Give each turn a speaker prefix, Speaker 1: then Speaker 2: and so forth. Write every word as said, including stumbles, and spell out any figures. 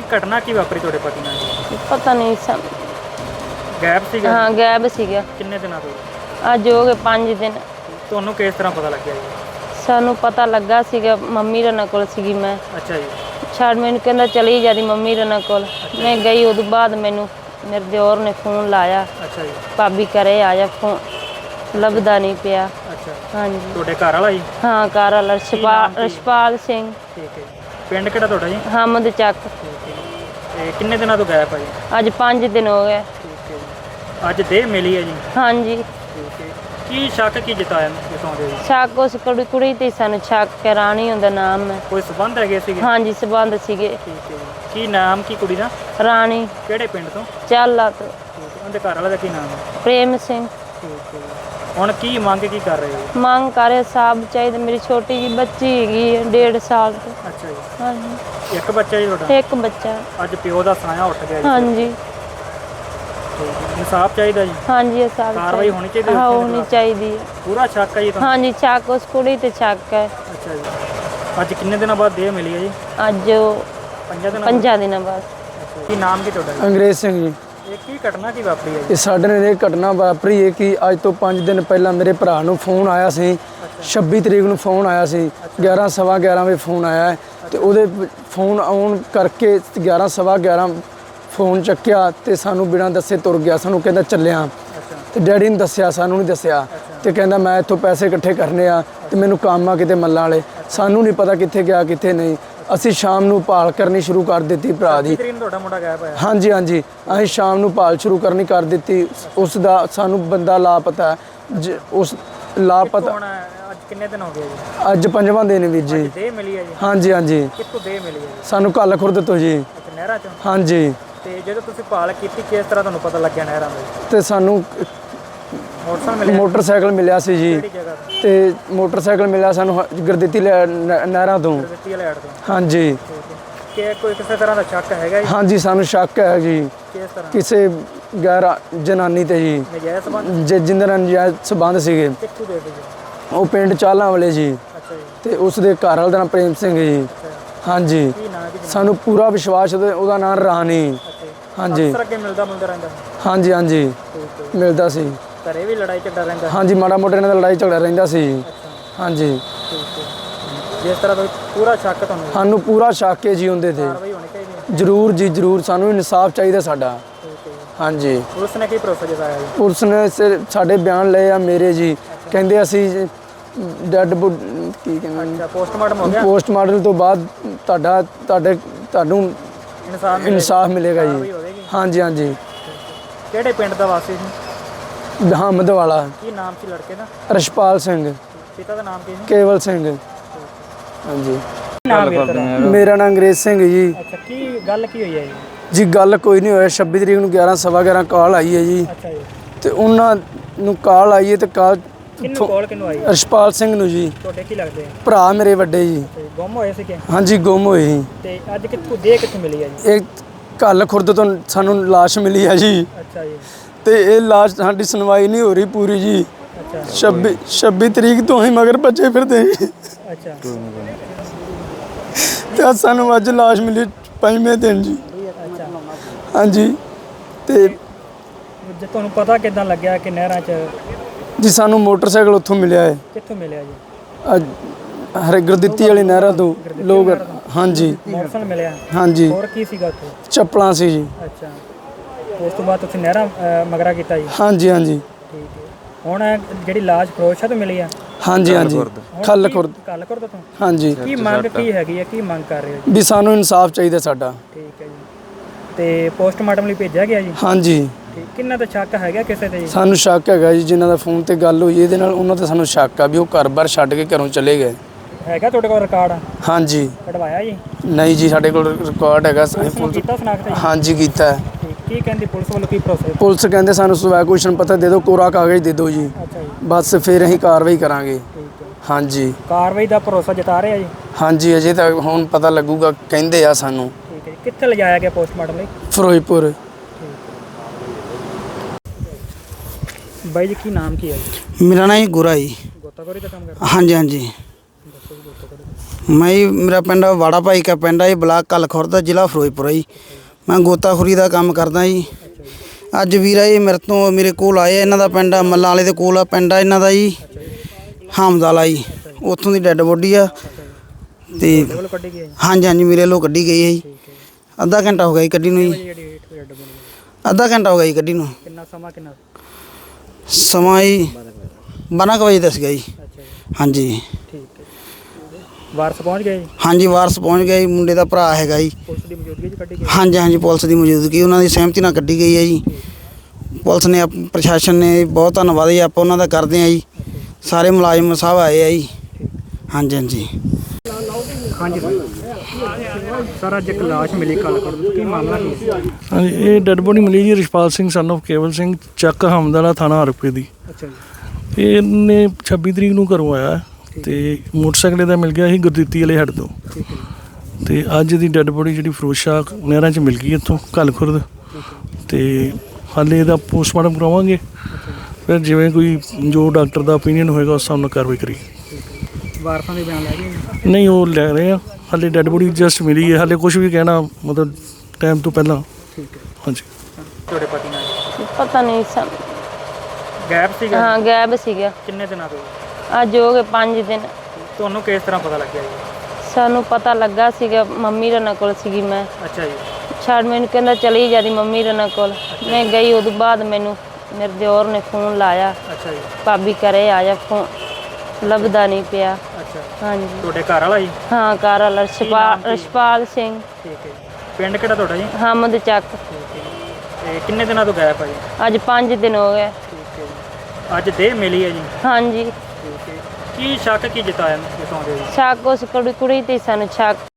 Speaker 1: ਘਟਨਾ ਕੀ ਵਾਪਰੀ ਤੁਹਾਡੇ ਪਤੀ ਨਾਲ ਜੀ?
Speaker 2: ਪਤਾ ਨਹੀਂ ਸਮ
Speaker 1: ਗਾਇਬ ਸੀਗਾ?
Speaker 2: ਹਾਂ ਗਾਇਬ ਸੀਗਾ।
Speaker 1: ਕਿੰਨੇ ਦਿਨਾਂ ਤੋਂ?
Speaker 2: ਅੱਜ ਹੋ ਗਏ ਪੰਜ ਦਿਨ।
Speaker 1: ਤੁਹਾਨੂੰ ਕਿਸ ਤਰ੍ਹਾਂ ਪਤਾ ਲੱਗਿਆ ਜੀ?
Speaker 2: ਸਾਨੂੰ ਪਤਾ ਲੱਗਾ ਸੀਗਾ ਮੰਮੀ ਰਣਾ ਕੋਲ ਸੀਗੀ ਮੈਂ।
Speaker 1: ਅੱਛਾ ਜੀ।
Speaker 2: ਛੱਡ ਮੈਨੂੰ ਕਹਿੰਦਾ ਚਲੀ ਜਾਂਦੀ ਮੰਮੀ ਰਣਾ ਕੋਲ। ਮੈਂ ਗਈ ਉਦੋਂ ਬਾਅਦ ਮੈਨੂੰ ਮੇਰੇ ਦਿਓਰ ਨੇ ਫੋਨ ਲਾਇਆ।
Speaker 1: ਅੱਛਾ ਜੀ।
Speaker 2: ਭਾਬੀ ਘਰੇ ਆ ਜਾ, ਫੋਨ ਲੱਭਦਾ ਨਹੀਂ ਪਿਆ।
Speaker 1: ਅੱਛਾ
Speaker 2: ਹਾਂਜੀ।
Speaker 1: ਤੁਹਾਡੇ ਘਰ ਵਾਲਾ ਜੀ?
Speaker 2: ਹਾਂ ਘਰ ਵਾਲਾ ਰਛਪਾਲ ਰਛਪਾਲ ਸਿੰਘ।
Speaker 1: ਠੀਕ ਹੈ। ਪਿੰਡ ਕਿਹੜਾ ਤੁਹਾਡਾ ਜੀ?
Speaker 2: ਹਮਦ ਚੱਕ।
Speaker 1: ਠੀਕ ਹੈ। ਤੇ ਕਿੰਨੇ ਦਿਨਾਂ ਤੋਂ ਗਾਇਬ ਹੈ ਜੀ?
Speaker 2: ਅੱਜ ਪੰਜ ਦਿਨ ਹੋ ਗਏ।
Speaker 1: ਠੀਕ ਹੈ ਜੀ। ਅੱਜ ਦੇਹ ਮਿਲੀ ਹੈ ਜੀ?
Speaker 2: ਹਾਂਜੀ।
Speaker 1: ਠੀਕ ਹੈ। ਕੀ ਸ਼ੱਕ ਕੀ ਜਤਾਇਆ ਜਤਾਉਂਦੇ ਜੀ?
Speaker 2: ਸ਼ੱਕ ਉਸ ਕੁੜੀ ਕੁੜੀ ਤੇ ਸਾਨੂੰ ਸ਼ੱਕ ਹੈ, ਰਾਣੀ ਉਹਦਾ ਨਾਮ ਹੈ।
Speaker 1: ਕੋਈ ਸਬੰਧ ਹੈਗੇ ਸੀਗੇ? ਹਾਂਜੀ
Speaker 2: ਸਬੰਧ ਸੀਗੇ।
Speaker 1: ਠੀਕ ਹੈ ਜੀ। ਕੀ ਨਾਮ ਕੀ ਕੁੜੀ ਦਾ?
Speaker 2: ਰਾਣੀ।
Speaker 1: ਕਿਹੜੇ ਪਿੰਡ ਤੋਂ?
Speaker 2: ਚਾਲਾ ਤੋਂ।
Speaker 1: ਠੀਕ ਹੈ। ਉਹਦੇ ਘਰ ਵਾਲੇ ਦਾ ਕੀ ਨਾਮ ਹੈ?
Speaker 2: ਪ੍ਰੇਮ ਸਿੰਘ।
Speaker 1: ਠੀਕ ਹੈ ਜੀ। ਹੁਣ ਕੀ ਮੰਗ ਕੀ ਕਰ ਰਹੇ ਹੋ?
Speaker 2: ਮੰਗ ਕਰੇ ਸਾਬ ਚਾਹੀਦਾ। ਮੇਰੀ ਛੋਟੀ ਜੀ ਬੱਚੀ ਹੈਗੀ ਹੈ ਡੇਢ ਸਾਲ ਦੀ।
Speaker 1: ਅੱਛਾ ਜੀ।
Speaker 2: ਹਾਂਜੀ।
Speaker 1: ਇੱਕ ਬੱਚਾ ਜੀ ਤੁਹਾਡਾ?
Speaker 2: ਇੱਕ ਬੱਚਾ।
Speaker 1: ਅੱਜ ਪਿਓ ਦਾ ਸਾਇਆ ਉੱਠ ਗਿਆ ਜੀ?
Speaker 2: ਹਾਂਜੀ।
Speaker 1: ਇਨਸਾਫ ਚਾਹੀਦਾ ਜੀ?
Speaker 2: ਹਾਂਜੀ ਸਾਬ
Speaker 1: ਕਾਰਵਾਈ ਹੋਣੀ ਚਾਹੀਦੀ?
Speaker 2: ਹਾਂ ਹੋਣੀ ਚਾਹੀਦੀ ਹੈ।
Speaker 1: ਪੂਰਾ ਸ਼ੱਕ ਹੈ ਜੀ ਤੁਹਾਨੂੰ?
Speaker 2: ਹਾਂਜੀ ਸ਼ੱਕ ਉਸ ਕੁੜੀ ਤੇ ਸ਼ੱਕ ਹੈ।
Speaker 1: ਅੱਛਾ ਜੀ। ਅੱਜ ਕਿੰਨੇ ਦਿਨਾਂ ਬਾਅਦ ਦੇਹ ਮਿਲੀ ਹੈ ਜੀ?
Speaker 2: ਅੱਜ
Speaker 1: ਪੰਜਾਂ ਦਿਨਾਂ
Speaker 2: ਪੰਜਾਂ ਦਿਨਾਂ ਬਾਅਦ।
Speaker 1: ਕੀ ਨਾਮ ਕੀ ਤੁਹਾਡਾ?
Speaker 3: ਅੰਗਰੇਜ਼ ਸਿੰਘ ਜੀ।
Speaker 1: ਇਹ ਕੀ ਘਟਨਾ ਕੀ ਵਾਪਰੀ ਹੈ ਜੀ?
Speaker 3: ਇਹ ਸਾਡੇ ਨਾਲ ਇਹ ਘਟਨਾ ਵਾਪਰੀ ਹੈ ਕਿ ਅੱਜ ਤੋਂ ਪੰਜ ਦਿਨ ਪਹਿਲਾਂ ਮੇਰੇ ਭਰਾ ਨੂੰ ਫੋਨ ਆਇਆ ਸੀ। ਛੱਬੀ ਤਰੀਕ ਨੂੰ ਫੋਨ ਆਇਆ ਸੀ। ਗਿਆਰਾਂ ਸਵਾ ਗਿਆਰਾਂ ਵਜੇ ਫੋਨ ਆਇਆ ਤੇ ਉਹਦੇ ਫੋਨ ਆਉਣ ਕਰਕੇ ਗਿਆਰਾਂ ਸਵਾ ਗਿਆਰਾਂ ਫੋਨ ਚੱਕਿਆ ਤੇ ਸਾਨੂੰ ਬਿਨਾਂ ਦੱਸੇ ਤੁਰ ਗਿਆ। ਸਾਨੂੰ ਕਹਿੰਦਾ ਚੱਲਿਆ ਤੇ ਡੈਡੀ ਨੂੰ ਦੱਸਿਆ, ਸਾਨੂੰ ਨਹੀਂ ਦੱਸਿਆ ਤੇ ਕਹਿੰਦਾ ਮੈਂ ਇੱਥੋਂ ਪੈਸੇ ਇਕੱਠੇ ਕਰਨੇ ਆ ਤੇ ਮੈਨੂੰ ਕੰਮ ਆ ਕਿਤੇ ਮੱਲਾਂ ਵਾਲੇ। ਸਾਨੂੰ ਨਹੀਂ ਪਤਾ ਕਿੱਥੇ ਗਿਆ ਕਿੱਥੇ ਨਹੀਂ। ਅਸੀਂ ਸ਼ਾਮ ਨੂੰ ਭਾਲ ਕਰਨੀ ਸ਼ੁਰੂ ਕਰ ਦਿੱਤੀ ਭਰਾ ਦੀ।
Speaker 1: ਤੁਹਾਡਾ ਮੁੰਡਾ ਗਾਇਬ ਹੋਇਆ?
Speaker 3: ਹਾਂਜੀ ਹਾਂਜੀ। ਅਸੀਂ ਸ਼ਾਮ ਨੂੰ ਭਾਲ ਸ਼ੁਰੂ ਕਰਨੀ ਕਰ ਦਿੱਤੀ। ਉਸ ਦਾ ਸਾਨੂੰ ਬੰਦਾ ਲਾਪਤਾ ਉਸ ਲਾਪਤਾ।
Speaker 1: ਅੱਜ ਕਿੰਨੇ ਦਿਨ ਹੋ ਗਏ ਜੀ?
Speaker 3: ਅੱਜ ਪੰਜਵਾਂ ਦਿਨ ਵੀਰ ਜੀ।
Speaker 1: ਦੇਹ ਮਿਲੀ ਹੈ ਜੀ?
Speaker 3: ਹਾਂਜੀ ਹਾਂਜੀ।
Speaker 1: ਕਿੱਥੋਂ ਦੇਹ ਮਿਲੀ ਹੈ ਜੀ?
Speaker 3: ਸਾਨੂੰ ਕੱਲ ਖੁਰਦ ਤੋਂ ਜੀ।
Speaker 1: ਅੱਛਾ ਨਹਿਰਾਂ ਚੋਂ? ਹਾਂਜੀ। ਤੇ ਜਦੋਂ ਤੁਸੀਂ ਭਾਲ ਕੀਤੀ ਕਿਸ ਤਰ੍ਹਾਂ ਤੁਹਾਨੂੰ ਪਤਾ ਲੱਗਿਆ ਨਹਿਰਾਂ ਦਾ?
Speaker 3: ਤੇ ਸਾਨੂੰ
Speaker 1: ਮੋਟਰਸਾਈਕਲ ਮਿਲਿਆ?
Speaker 3: ਮੋਟਰਸਾਈਕਲ ਮਿਲਿਆ ਸੀ ਜੀ।
Speaker 1: ਕਿਹੜੀ ਜਗ੍ਹਾ ਤੋਂ?
Speaker 3: ਤੇ ਮੋਟਰਸਾਈਕਲ ਮਿਲਿਆ ਸਾਨੂੰ ਗੁਰਦਿੱਤੀ ਨਹਿਰਾਂ ਤੋਂ।
Speaker 1: ਗੁਰਦਿੱਤੀ ਵਾਲੇ ਆੜ ਤੋਂ?
Speaker 3: ਹਾਂਜੀ।
Speaker 1: ਕਿ ਕੋਈ ਕਿਸੇ ਤਰ੍ਹਾਂ ਦਾ ਸ਼ੱਕ ਹੈਗਾ ਜੀ?
Speaker 3: ਹਾਂਜੀ ਸਾਨੂੰ ਸ਼ੱਕ ਹੈ ਜੀ
Speaker 1: ਕਿਸ ਤਰ੍ਹਾਂ?
Speaker 3: ਕਿਸੇ ਗੈਰ ਜਨਾਨੀ ਤੇ ਜੀ,
Speaker 1: ਨਜਾਇਜ਼ ਸੰਬੰਧ?
Speaker 3: ਜਿੰਦੇ ਨਾਲ ਨਜਾਇਜ਼ ਸੰਬੰਧ ਸੀਗੇ।
Speaker 1: ਕਿੱਥੋਂ ਦੇ ਜੀ?
Speaker 3: ਉਹ ਪਿੰਡ ਚਾਲਾਂ ਵਾਲੇ ਜੀ।
Speaker 1: ਅੱਛਾ ਜੀ।
Speaker 3: ਤੇ ਉਸ ਦੇ ਘਰ ਵਾਲੇ ਦਾ ਨਾਮ ਪ੍ਰੇਮ ਸਿੰਘ ਜੀ। ਹਾਂਜੀ।
Speaker 1: ਕੀ ਨਾਮ ਕੀ?
Speaker 3: ਸਾਨੂੰ ਪੂਰਾ ਵਿਸ਼ਵਾਸ ਉਹਦਾ ਨਾਮ ਰਾਣੀ। ਹਾਂਜੀ।
Speaker 1: ਅਕਸਰ ਅੱਗੇ ਮਿਲਦਾ ਮਿਲਦਾ ਰਹਿੰਦਾ?
Speaker 3: ਹਾਂਜੀ ਹਾਂਜੀ ਮਿਲਦਾ ਸੀ।
Speaker 1: ਘਰੇ ਵੀ ਲੜਾਈ ਝਗੜਾ ਰਹਿੰਦਾ?
Speaker 3: ਹਾਂਜੀ ਮਾੜਾ ਮੋਟਾ ਇਹਨਾਂ ਦਾ ਲੜਾਈ ਝਗੜਾ ਰਹਿੰਦਾ ਸੀ। ਹਾਂਜੀ।
Speaker 1: ਜਿਸ ਤਰ੍ਹਾਂ ਦਾ ਪੂਰਾ ਸ਼ੱਕ ਤੁਹਾਨੂੰ?
Speaker 3: ਸਾਨੂੰ ਪੂਰਾ ਸ਼ੱਕ ਹੈ ਜੀ ਉਹਦੇ ਤੇ।
Speaker 1: ਕਾਰਵਾਈ ਹੋਣੀ ਚਾਹੀਦੀ ਹੈ?
Speaker 3: ਜ਼ਰੂਰ ਜੀ ਜ਼ਰੂਰ। ਸਾਨੂੰ ਇਨਸਾਫ ਚਾਹੀਦਾ ਸਾਡਾ। ਹਾਂਜੀ।
Speaker 1: ਪੁਲਿਸ ਨੇ ਕੀ ਭਰੋਸਾ ਜਤਾਇਆ ਜੀ?
Speaker 3: ਪੁਲਿਸ ਨੇ ਸਾਡੇ ਬਿਆਨ ਲਏ ਆ ਮੇਰੇ ਜੀ। ਕਹਿੰਦੇ ਅਸੀਂ ਡੈਡ ਕੀ ਕਹਿੰਦੇ
Speaker 1: ਅੱਛਾ ਪੋਸਟਮਾਰਟਮ ਹੋ ਗਿਆ?
Speaker 3: ਪੋਸਟਮਾਰਟਮ ਤੋਂ ਬਾਅਦ ਤੁਹਾਡਾ ਤੁਹਾਡੇ ਤੁਹਾਨੂੰ
Speaker 1: ਇਨਸਾਫ
Speaker 3: ਇਨਸਾਫ ਮਿਲੇਗਾ ਜੀ। ਹਾਂਜੀ ਹਾਂਜੀ।
Speaker 1: ਕਿਹੜੇ ਪਿੰਡ ਦਾ ਵਾਸੀ ਸੀ?
Speaker 3: ਹਮਦ ਵਾਲਾ।
Speaker 1: ਕੀ ਨਾਮ ਸੀ ਲੜਕੇ ਦਾ?
Speaker 3: ਰਛਪਾਲ ਸਿੰਘ।
Speaker 1: ਪਿਤਾ ਦਾ ਨਾਮ ਕੀ ਸੀ?
Speaker 3: ਕੇਵਲ ਸਿੰਘ। ਹਾਂਜੀ।
Speaker 1: ਨਾਮ
Speaker 3: ਮੇਰਾ ਨਾਮ ਅੰਗਰੇਜ਼ ਸਿੰਘ ਜੀ।
Speaker 1: ਅੱਛਾ ਕੀ ਗੱਲ ਕੀ ਹੋਈ ਹੈ ਜੀ?
Speaker 3: ਜੀ ਗੱਲ ਕੋਈ ਨਹੀਂ ਹੋਇਆ। ਛੱਬੀ ਤਰੀਕ ਨੂੰ ਗਿਆਰਾਂ ਸਵਾ ਗਿਆਰਾਂ ਕਾਲ ਆਈ ਹੈ ਜੀ।
Speaker 1: ਅੱਛਾ ਜੀ।
Speaker 3: ਤੇ ਉਹਨਾਂ ਨੂੰ ਕਾਲ ਆਈ ਹੈ ਤੇ ਕਾਲ
Speaker 1: ਕਿਹਨੂੰ ਕਾਲ ਕਿਹਨੂੰ ਆਈ?
Speaker 3: ਰਛਪਾਲ ਸਿੰਘ ਨੂੰ ਜੀ।
Speaker 1: ਤੁਹਾਡੇ ਕੀ ਲੱਗਦੇ ਆ?
Speaker 3: ਭਰਾ ਮੇਰੇ ਵੱਡੇ ਜੀ।
Speaker 1: ਗੁੰਮ ਹੋਏ ਸੀ ਕਿ?
Speaker 3: ਹਾਂਜੀ ਗੁੰਮ ਹੋਏ ਸੀ।
Speaker 1: ਤੇ ਅੱਜ ਕਿੱਥੋਂ ਦੇਹ ਕਿੱਥੋਂ ਮਿਲੀ ਹੈ ਜੀ?
Speaker 3: ਇਹ ਕੱਲ ਖੁਰਦ ਤੋਂ ਸਾਨੂੰ ਲਾਸ਼ ਮਿਲੀ ਹੈ ਜੀ।
Speaker 1: ਅੱਛਾ ਜੀ। ਤੇ
Speaker 3: ਇਹ ਲਾਸ਼ ਸਾਡੀ ਸੁਣਵਾਈ ਨਹੀਂ ਹੋ ਰਹੀ ਪੂਰੀ ਜੀ।
Speaker 1: ਅੱਛਾ।
Speaker 3: ਛੱਬੀ ਛੱਬੀ ਤਰੀਕ ਤੋਂ ਅਸੀਂ ਮਗਰ ਭੱਜੇ ਫਿਰਦੇ ਜੀ।
Speaker 1: ਅੱਛਾ।
Speaker 3: ਤੇ ਸਾਨੂੰ ਅੱਜ ਲਾਸ਼ ਮਿਲੀ ਪੰਜਵੇਂ ਦਿਨ ਜੀ।
Speaker 1: ਅੱਛਾ।
Speaker 3: ਹਾਂਜੀ। ਤੇ
Speaker 1: ਜੇ ਤੁਹਾਨੂੰ ਪਤਾ ਕਿੱਦਾਂ ਲੱਗਿਆ ਕਿ ਨਹਿਰਾਂ 'ਚ?
Speaker 3: ਜੀ ਸਾਨੂੰ ਮੋਟਰਸਾਈਕਲ ਉੱਥੋਂ ਮਿਲਿਆ ਹੈ।
Speaker 1: ਕਿੱਥੋਂ ਮਿਲਿਆ ਜੀ?
Speaker 3: ਅੱਜ ਹਰੇ ਗੁਰਦਿੱਤੀ ਵਾਲੀ ਨਹਿਰਾਂ ਤੋਂ ਲੋਕ। ਹਾਂਜੀ।
Speaker 1: ਮੋਟਰਸਾਈਕਲ ਮਿਲਿਆ?
Speaker 3: ਹਾਂਜੀ।
Speaker 1: ਹੋਰ ਕੀ ਸੀਗਾ ਉੱਥੇ?
Speaker 3: ਚੱਪਲਾਂ ਸੀ ਜੀ।
Speaker 1: ਅੱਛਾ। ਉਸ ਤੋਂ ਬਾਅਦ ਤੁਸੀਂ ਨਹਿਰਾਂ ਮਗਰਾ ਕੀਤਾ ਜੀ?
Speaker 3: ਹਾਂਜੀ ਹਾਂਜੀ।
Speaker 1: ਠੀਕ ਹੈ। ਹੁਣ ਜਿਹੜੀ ਲਾਸ਼ ਫਿਰੋਜ਼ਸ਼ਾਹ ਤੋਂ ਮਿਲੀ ਆ?
Speaker 3: ਹਾਂਜੀ ਹਾਂਜੀ। ਖੱਲ ਖੁਰਦ।
Speaker 1: ਕੱਲ ਖੁਰਦ ਤੋਂ?
Speaker 3: ਹਾਂਜੀ।
Speaker 1: ਕੀ ਮੰਗ ਕੀ ਹੈਗੀ ਹੈ? ਕੀ ਮੰਗ ਕਰ ਰਹੇ ਹੋ ਜੀ?
Speaker 3: ਵੀ ਸਾਨੂੰ ਇਨਸਾਫ ਚਾਹੀਦਾ ਸਾਡਾ।
Speaker 1: ਠੀਕ ਹੈ ਜੀ। ਤੇ ਪੋਸਟਮਾਰਟਮ ਲਈ ਭੇਜਿਆ ਗਿਆ ਜੀ?
Speaker 3: ਹਾਂਜੀ।
Speaker 1: ਕਿੰਨਾ ਤਾਂ ਸ਼ੱਕ ਹੈਗਾ ਕਿਸੇ ਤੇ ਜੀ?
Speaker 3: ਸਾਨੂੰ ਸ਼ੱਕ ਹੈਗਾ ਜੀ। ਜਿਨ੍ਹਾਂ ਦਾ ਫੋਨ ਤੇ ਗੱਲ ਹੋਈ ਇਹਦੇ ਨਾਲ ਉਹਨਾਂ ਤੇ ਸਾਨੂੰ ਸ਼ੱਕ ਆ ਵੀ ਉਹ ਘਰ-ਬਾਰ ਛੱਡ ਕੇ ਘਰੋਂ ਚਲੇ ਗਏ।
Speaker 1: ਹੈਗਾ ਤੁਹਾਡੇ ਕੋਲ ਰਿਕਾਰਡ?
Speaker 3: ਹਾਂਜੀ।
Speaker 1: ਕਢਵਾਇਆ ਜੀ?
Speaker 3: ਨਹੀਂ ਜੀ ਸਾਡੇ ਕੋਲ ਰਿਕਾਰਡ ਹੈਗਾ।
Speaker 1: ਕੀਤਾ ਸਨਾਖਤ?
Speaker 3: ਹਾਂਜੀ ਕੀਤਾ।
Speaker 1: ਕੀ ਕਹਿੰਦੀ ਪੁਲਿਸ ਵੱਲੋਂ? ਕੀ ਭਰੋਸਾ?
Speaker 3: ਪੁਲਿਸ ਕਹਿੰਦੇ ਸਾਨੂੰ ਸਵੈ ਕੁਸ਼ਨ ਪੱਤਰ ਦੇ ਦਿਓ, ਕੋਰਾ ਕਾਗਜ਼ ਦੇ ਦਿਓ ਜੀ।
Speaker 1: ਅੱਛਾ ਜੀ।
Speaker 3: ਬਸ ਫਿਰ ਅਸੀਂ ਕਾਰਵਾਈ ਕਰਾਂਗੇ।
Speaker 1: ਠੀਕ ਹੈ।
Speaker 3: ਹਾਂਜੀ।
Speaker 1: ਕਾਰਵਾਈ ਦਾ ਭਰੋਸਾ ਜਤਾ ਰਹੇ ਆ ਜੀ?
Speaker 3: ਹਾਂਜੀ ਅਜੇ ਤਾਂ ਹੁਣ ਪਤਾ ਲੱਗੂਗਾ ਕਹਿੰਦੇ ਆ ਸਾਨੂੰ।
Speaker 1: ਠੀਕ ਹੈ। ਕਿੱਥੇ ਲਿਜਾਇਆ ਗਿਆ ਪੋਸਟਮਾਰਟਮ ਲਈ?
Speaker 3: ਫਿਰੋਜ਼ਪੁਰ।
Speaker 1: ਬਾਈ ਜੀ ਕੀ ਨਾਮ ਕੀ ਹੈ ਜੀ?
Speaker 4: ਮੇਰਾ ਨਾਮ ਹੀ ਗੁਰਾ ਜੀ।
Speaker 1: ਗੋਤਾਖੋਰੀ ਦਾ ਕੰਮ ਕਰਦੇ?
Speaker 4: ਹਾਂਜੀ ਹਾਂਜੀ। ਮੈਂ ਜੀ ਮੇਰਾ ਪਿੰਡ ਵਾੜਾ ਭਾਈ ਕਾ ਪਿੰਡ ਹੈ ਜੀ, ਬਲਾਕ ਕਲਖੁਰ ਦਾ, ਜ਼ਿਲ੍ਹਾ ਫਿਰੋਜ਼ਪੁਰ ਹੈ ਜੀ। ਮੈਂ ਗੋਤਾਖੋਰੀ ਦਾ ਕੰਮ ਕਰਦਾ ਜੀ। ਅੱਜ ਵੀਰਾ ਜੀ ਮੇਰੇ ਤੋਂ ਮੇਰੇ ਕੋਲ ਆਏ ਆ, ਇਹਨਾਂ ਦਾ ਪਿੰਡ ਆ ਮੱਲਾਂ ਵਾਲੇ ਦੇ ਕੋਲ ਆ ਪਿੰਡ ਆ ਇਹਨਾਂ ਦਾ ਜੀ, ਹਾਮਦਾਲਾ ਜੀ। ਉੱਥੋਂ ਦੀ ਡੈੱਡ ਬੋਡੀ ਆ ਤੇ
Speaker 1: ਕੱਢੀ ਗਈ
Speaker 4: ਹਾਂਜੀ ਹਾਂਜੀ ਮੇਰੇ ਵੱਲੋਂ ਕੱਢੀ ਗਈ ਹੈ ਜੀ। ਅੱਧਾ ਘੰਟਾ ਹੋ ਗਿਆ ਜੀ ਕੱਢੀ ਨੂੰ ਜੀ,
Speaker 1: ਜਿਹੜੀ ਡੈਡ ਬੋਡੀ
Speaker 4: ਅੱਧਾ ਘੰਟਾ ਹੋ ਗਿਆ ਜੀ ਕੱਢੀ ਨੂੰ।
Speaker 1: ਕਿੰਨਾ ਸਮਾਂ ਕਿੰਨਾ
Speaker 4: ਸਮਾਂ ਜੀ ਬਾਰਾਂ ਕੁ ਵਜੇ ਦੱਸ ਗਿਆ ਜੀ।
Speaker 1: ਅੱਛਾ ਜੀ
Speaker 4: ਹਾਂਜੀ
Speaker 1: ਠੀਕ ਹੈ। ਵਾਰਸ ਪਹੁੰਚ ਗਏ ਜੀ?
Speaker 4: ਹਾਂਜੀ ਵਾਰਸ ਪਹੁੰਚ ਗਿਆ ਜੀ, ਮੁੰਡੇ ਦਾ ਭਰਾ ਹੈਗਾ ਜੀ।
Speaker 1: ਪੁਲਿਸ ਦੀ ਮੌਜੂਦਗੀ 'ਚ ਕੱਢੀ ਗਈ?
Speaker 4: ਹਾਂਜੀ ਹਾਂਜੀ ਪੁਲਿਸ ਦੀ ਮੌਜੂਦਗੀ ਉਹਨਾਂ ਦੀ ਸਹਿਮਤੀ ਨਾਲ ਕੱਢੀ ਗਈ ਹੈ ਜੀ। ਪੁਲਿਸ ਨੇ ਆਪ- ਪ੍ਰਸ਼ਾਸਨ ਨੇ ਬਹੁਤ ਧੰਨਵਾਦ ਜੀ, ਆਪਾਂ ਉਹਨਾਂ ਦਾ ਕਰਦੇ ਹਾਂ ਜੀ। ਸਾਰੇ ਮੁਲਾਜ਼ਮ ਸਾਹਿਬ ਆਏ ਆ ਜੀ। ਹਾਂਜੀ ਹਾਂਜੀ
Speaker 1: ਹਾਂਜੀ ਸਰ, ਅੱਜ ਇੱਕ ਲਾਸ਼ ਮਿਲੀ ਕੱਲ੍ਹ ਕੋਲ, ਕੀ ਮਾਮਲਾ ਕੀ ਹੈ?
Speaker 5: ਹਾਂਜੀ ਇਹ ਡੈੱਡ ਬੋਡੀ ਮਿਲੀ ਜੀ ਰਿਸ਼ਪਾਲ ਸਿੰਘ ਸਨ ਆਫ ਕੇਵਲ ਸਿੰਘ, ਚੱਕ ਹਮਦਲਾ ਥਾਣਾ ਹਰਪੇ ਦੀ।
Speaker 1: ਅੱਛਾ ਜੀ
Speaker 5: ਇਹਨੇ ਛੱਬੀ ਤਰੀਕ ਨੂੰ ਘਰੋਂ ਆਇਆ ਤੇ ਮੋਟਰਸਾਈਕਲ ਦਾ ਮਿਲ ਗਿਆ ਸੀ ਗੁਰਦਿੱਤੀ ਵਾਲੇ ਹੱਡ ਤੋਂ।
Speaker 1: ਠੀਕ ਹੈ ਜੀ।
Speaker 5: ਤੇ ਅੱਜ ਦੀ ਡੈੱਡ ਬੋਡੀ ਜਿਹੜੀ ਫਿਰੋਜ਼ਸ਼ਾਹ ਨਹਿਰਾਂ 'ਚ ਮਿਲ ਗਈ ਇੱਥੋਂ ਘੱਲ ਖੁਰਦ। ਤੇ ਹਾਲੇ ਇਹਦਾ ਪੋਸਟਮਾਰਟਮ ਕਰਾਵਾਂਗੇ, ਫਿਰ ਜਿਵੇਂ ਕੋਈ ਜੋ ਡਾਕਟਰ ਦਾ ਓਪੀਨੀਅਨ ਹੋਏਗਾ ਉਸ ਹਿਸਾਬ ਨਾਲ ਕਾਰਵਾਈ ਕਰੀ।
Speaker 1: ਵਾਰਸਾਂ ਦੇ ਬਿਆਨ ਲੈ ਗਏ?
Speaker 5: ਨਹੀਂ ਉਹ ਲੈ ਰਹੇ ਆ, ਹਾਲੇ ਡੈੱਡ ਬੋਡੀ ਜਸਟ ਮਿਲੀ ਹੈ, ਹਾਲੇ ਕੁਝ ਵੀ ਕਹਿਣਾ ਮਤਲਬ ਟਾਈਮ ਤੋਂ ਪਹਿਲਾਂ।
Speaker 1: ਠੀਕ ਹੈ।
Speaker 5: ਹਾਂਜੀ
Speaker 1: ਤੁਹਾਡੇ ਪਤੀ ਨਾਲ
Speaker 2: ਪਤਾ ਨਹੀਂ ਸਾਨੂੰ।
Speaker 1: ਗੈਪ ਸੀਗਾ?
Speaker 2: ਹਾਂ ਗਾਇਬ ਸੀਗਾ।
Speaker 1: ਕਿੰਨੇ ਦਿਨਾਂ ਤੋਂ?
Speaker 2: ਅੱਜ ਹੋ ਗਏ ਪੰਜ ਦਿਨ।
Speaker 1: ਤੁਹਾਨੂੰ ਕਿਸ ਤਰ੍ਹਾਂ ਪਤਾ ਲੱਗਿਆ ਜੀ?
Speaker 2: ਸਾਨੂੰ ਪਤਾ ਲੱਗਾ ਸੀਗਾ, ਮੰਮੀ ਰਣਾ ਕੋਲ ਸੀਗੀ ਮੈਂ।
Speaker 1: ਅੱਛਾ ਜੀ
Speaker 2: ਛੱਡ ਮੈਨੂੰ ਕਹਿੰਦਾ ਚਲੀ ਜਾਦੀ ਮੰਮੀ ਰਣਾ ਕੋਲ। ਮੈਂ ਗਈ, ਉਦੋਂ ਬਾਅਦ ਮੈਨੂੰ ਮੇਰੇ ਦਿਓਰ ਨੇ ਫੋਨ ਲਾਇਆ,
Speaker 1: ਅੱਛਾ ਜੀ
Speaker 2: ਭਾਬੀ ਘਰੇ ਆ ਜਾ, ਫੋਨ ਲੱਭਦਾ ਨਹੀਂ ਪਿਆ।
Speaker 1: ਅੱਛਾ
Speaker 2: ਹਾਂਜੀ
Speaker 1: ਤੁਹਾਡੇ ਘਰ ਵਾਲਾ ਜੀ?
Speaker 2: ਹਾਂ ਘਰ ਵਾਲਾ
Speaker 1: ਨਾਮ
Speaker 2: ਰਛਪਾਲ
Speaker 1: ਕੀ?
Speaker 2: ਰਛਪਾਲ ਸਿੰਘ,
Speaker 1: ਠੀਕ ਹੈ ਜੀ। ਪਿੰਡ ਕਿਹੜਾ ਤੁਹਾਡਾ ਜੀ?
Speaker 2: ਹਮਦ ਚੱਕ।
Speaker 1: ਠੀਕ ਹੈ ਜੀ। ਤੇ ਕਿੰਨੇ ਦਿਨਾਂ ਤੋਂ ਗਾਇਬ ਆ ਜੀ?
Speaker 2: ਅੱਜ ਪੰਜ ਦਿਨ ਹੋ ਗਏ।
Speaker 1: ਠੀਕ ਹੈ ਜੀ। ਅੱਜ ਦੇਹ ਮਿਲੀ ਹੈ ਜੀ?
Speaker 2: ਹਾਂਜੀ
Speaker 1: ਠੀਕ ਹੈ। ਕੀ ਸ਼ੱਕ ਕੀ ਜਤਾਇਆ ਜਤਾਉਂਦੇ ਹੋ ਜੀ?
Speaker 2: ਸ਼ੱਕ ਉਸ ਕੁੜੀ ਕੁੜੀ ਤੇ ਸਾਨੂੰ ਸ਼ੱਕ